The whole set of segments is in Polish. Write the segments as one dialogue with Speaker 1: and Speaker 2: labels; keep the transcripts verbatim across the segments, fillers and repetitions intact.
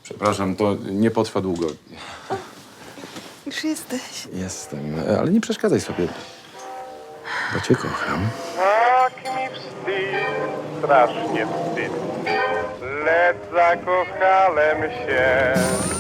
Speaker 1: Przepraszam, to nie potrwa długo.
Speaker 2: Już jesteś.
Speaker 1: Jestem, ale nie przeszkadzaj sobie. Bo cię kocham.
Speaker 3: Tak mi wstyd, strasznie wstyd, lecz zakochałem się.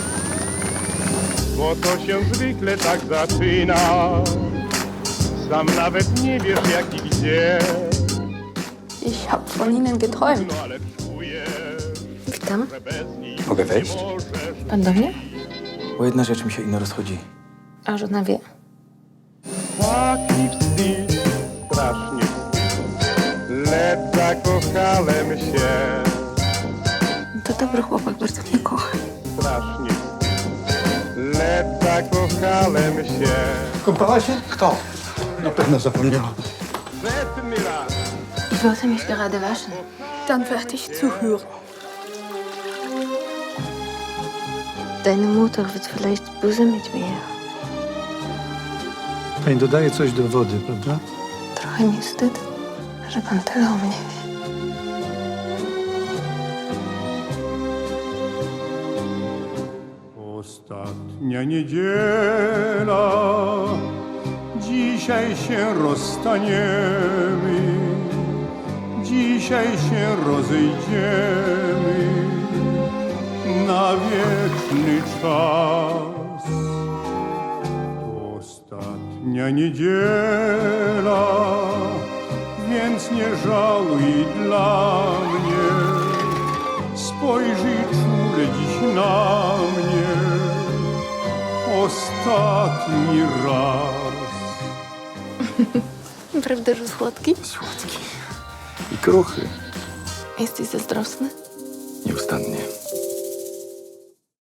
Speaker 3: Bo to się zwykle tak zaczyna, sam nawet nie wiesz jak i gdzie.
Speaker 2: Ich hab von Ihnen geträumt.
Speaker 3: No ale czujesz,
Speaker 2: Witam.
Speaker 3: że bez nich
Speaker 1: Mogę wejść?
Speaker 3: nie możesz.
Speaker 2: Pan do mnie?
Speaker 1: Bo jedna rzecz mi się ino rozchodzi.
Speaker 2: A żona wie.
Speaker 3: Tak mi wstyd, strasznie wstyd, lecz zakochałem się.
Speaker 2: To dobry chłopak, bardzo mnie kocha.
Speaker 3: Strasznie wstyd, lecz zakochałem się.
Speaker 4: Kąpała się? Kto? Na pewno zapomniała.
Speaker 3: Setny raz.
Speaker 2: Ich wollte mich gerade waschen. Dann werde ich zuhören. Deine Mutter wird vielleicht böse mit mir.
Speaker 4: Pani dodaje coś do wody, prawda?
Speaker 2: Trochę mi wstyd, że pan tyle o mnie wie.
Speaker 3: Ostatnia niedziela, dzisiaj się rozstaniemy, dzisiaj się rozejdziemy na wieczny czas. To ostatnia niedziela, więc nie żałuj dla mnie, spojrzyj czule dziś na mnie ostatni raz.
Speaker 2: Prawda, że słodki?
Speaker 1: Słodki. I kruchy.
Speaker 2: Jesteś zazdrosny?
Speaker 1: Nieustannie.